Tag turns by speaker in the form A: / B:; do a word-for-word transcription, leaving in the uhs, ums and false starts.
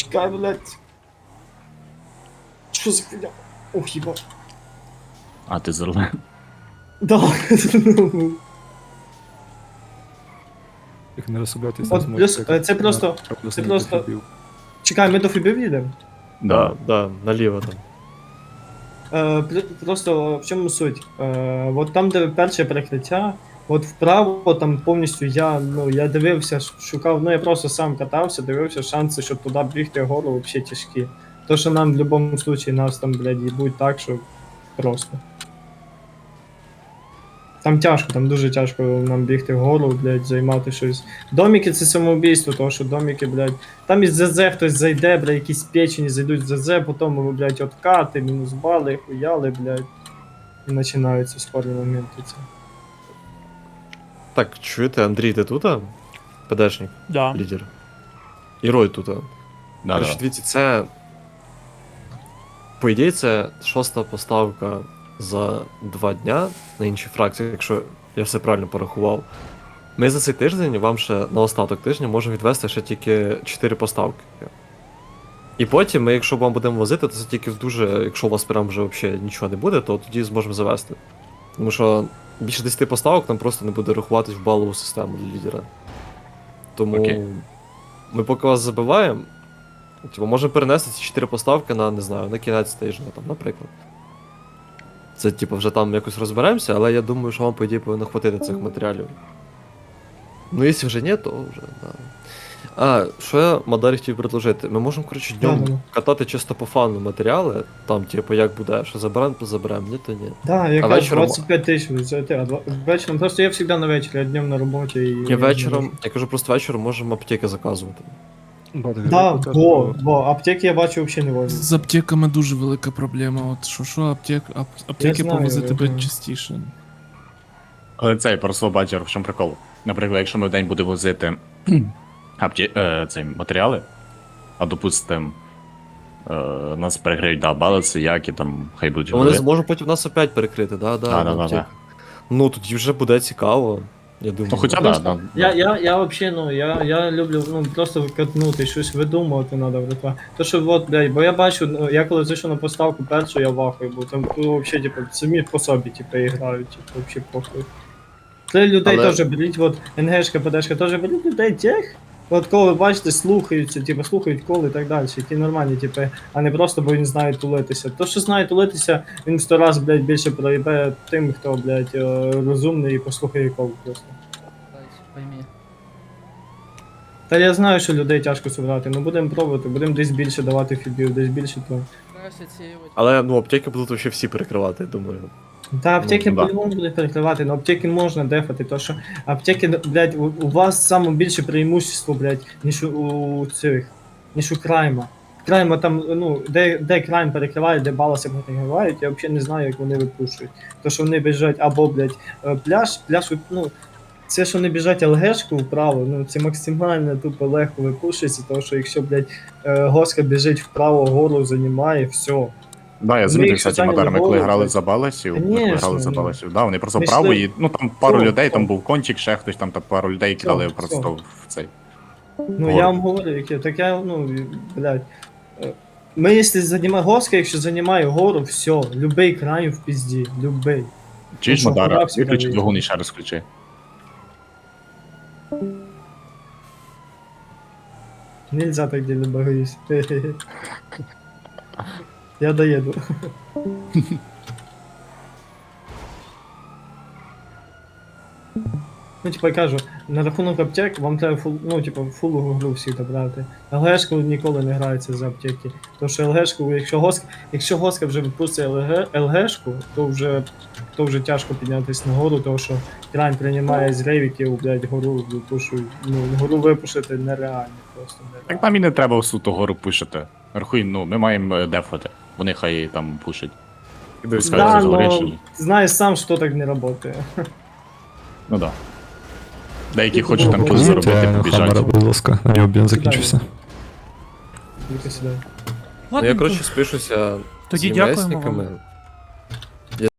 A: Чекай, блядь. Що за хуйня? Ох, їба.
B: А, ти зелений.
A: Да.
C: Їх не розсублятися.
A: От плюс, е, це просто, це просто... Чекай, ми до Фібів їдемо?
B: Да.
D: Да, наліво там.
A: Е, пр- просто в чому суть? Е, от там, де перше перекриття, от вправо там повністю я, ну, я дивився, ш- шукав, ну я просто сам катався, дивився шанси, щоб туди бігти вгору взагалі тяжкі. То, що нам в будь-якому випадку нас там, блядь, їбуть так, що просто. Там тяжко, там дуже тяжко нам бігти вгору, блядь, займати щось. Доміки це самоубійство, тому що доміки, блядь, там із ЗЗ хтось зайде, блядь, якісь печені зайдуть в ЗЗ, потім, блядь, откати, мінус бали, хуяли, блядь. І починаються спорні моменти. Це.
D: Так, чуєте, Андрій, ти тут? а? ПДшник,
E: Да.
D: лідер. І Рой тут. а?
B: Да,
D: Короче,
B: да.
D: дивіться, це. По ідеї, це шоста поставка за два дня на інші фракції, якщо я все правильно порахував. Ми за цей тиждень вам ще на остаток тижня можемо відвести ще тільки чотири поставки. І потім ми, якщо вам будемо возити, то це тільки в дуже, якщо у вас прям вже взагалі нічого не буде, то тоді зможемо завести. Тому що більше десяти поставок нам просто не буде рахуватись в балову систему для лідера. Тому
B: Окей.
D: ми поки вас забиваємо, типу, можемо перенести ці чотири поставки на, не знаю, на кінець тижня, там, наприклад. Це, типу, вже там якось розберемося, але я думаю, що вам, по ідеї, повинно хватити цих матеріалів. Ну, якщо вже ні, то вже, да. А, що я Мадарі хотів предложити? Ми можемо, коротше, днем
A: Да-да-да.
D: катати чисто по фану матеріали, там, типу, як буде, що заберемо, то заберемо, ні, то ні.
A: Да, я
D: А
A: кажу,
D: вечором-
A: двадцять п'ять тисяч взяти, а два- вечором, просто я завжди на вечір, я днем на роботі і...
D: І вечором, я кажу, просто вечором можемо аптеки заказувати.
A: Да, во, во, аптеки я бачу взагалі не возять.
F: З аптеками дуже велика проблема. От що що аптек, ап, аптеки
A: знаю,
F: повозити
A: я
F: тебе
A: знаю.
F: частіше.
B: Але цей просто бачив, в чому прикол. Наприклад, якщо ми в день будемо возити апті... е, цей, матеріали, а допустим, е, нас переграють, да, балиці, які там, хай будуть
D: Вони
B: голи.
D: зможуть потім нас опять перекрити, да, да,
B: Да, да, да,
D: аптеки.
B: да.
D: Ну, тоді вже буде цікаво, я думаю.
B: Ну, хоча б,
A: Просто
B: да, да,
A: Я,
B: да.
A: я, я вообще, ну, я, я люблю, ну, просто катнути, щось видумувати треба, братва. То, що, от, блядь, бо я бачу, ну, я коли зайшов на поставку першу, я вахую, бо там, ну, вообще, типу, самі по собі, типу, грають, типу, вообще похуй. Три людей
D: Але-
A: теж беріть, от, НГшка, ПДшка, теж беріть людей тех, от коли ви бачите, слухаються, типу, слухають коли і так далі, які нормальні, типу, а не просто, бо він знає тулитися. То, що знає тулитися, він в сто раз, блядь, більше проїбе тим, хто, блядь, е, розумний і послухає кол просто.
G: Пойми.
A: Та я знаю, що людей тяжко собрати, ну будемо пробувати, будемо десь більше давати фібів, десь більше то.
G: Краще отсеивать.
D: Але, ну, аптеки будуть вообще всі перекривати, я думаю.
A: Та аптеки
B: Ну, да.
A: по-любому будуть перекривати, але аптеки можна дефати, то що аптеки, блядь, у, у вас саме більше преимущество, блядь, ніж у, у цих, ніж у крайма. Крайма там, ну, де, де крайм перекриває, де баласи перекривають, я взагалі не знаю, як вони випушують. То, що вони біжать або, блядь, е, пляж, пляж, ну, це, що вони біжать ЛГшку вправо, ну, це максимально тупо легко випушується, тому що якщо, блядь, е, госка біжить вправо, гору займає, все.
B: Да, я
A: Ми
B: замітив,
A: їх
B: кстати,
A: соціальні
B: Мадар, ми коли
A: забори,
B: грали
A: блядь.
B: за баласів, ми коли
A: Конечно,
B: грали за
A: ну.
B: баласів, да, вони просто
A: Ми
B: вправо
A: йшли-
B: і, ну там пару
A: О,
B: людей,
A: о.
B: там був кончик, ще хтось, там та пару людей кидали
A: Все,
B: просто в цей.
A: Ну
B: Гору.
A: я вам говорю, яке, так я, ну, блядь. е, Ми, якщо займає госка, якщо займає гору, все, любий край в пізді, любий.
B: Чи ж
A: що,
B: Мадара,
A: гора всегда
B: виключи
A: є.
B: двигун і ще раз включи.
A: Нельзя так делать, боюсь. Я доеду. Ну, типа, я кажу, на рахунок аптек вам треба фул, ну, типа, фулову гру всі добрати. ЛГшку ніколи не грається за аптеки. Тому що ЛГшку, якщо госка, якщо госка вже випустить ЛГ, ЛГшку, то вже, то вже тяжко піднятися на гору, тому що крайм приймає з рейвіків, блядь, гору випушують. Ну, гору випушити нереально, просто нереально.
B: Так нам і не треба всю ту гору пушити. Рахуй, ну, ми маємо е, дефати. Вони хай там пушать. Пускай
A: Да,
B: це
A: но
B: згорячені.
A: знаешь сам, что так не работает.
B: Ну да. Деякі
A: Ну,
B: хочуть там
A: ну,
B: щось
A: ну,
B: заробити,
C: Хаммера,
B: побіжать.
C: будь ласка, на нього бенз закінчився.
A: Тільки сюди.
D: Ну, я, коротше, спишуся з
E: Тоді дякуємо
D: ЄМСниками.
E: вам.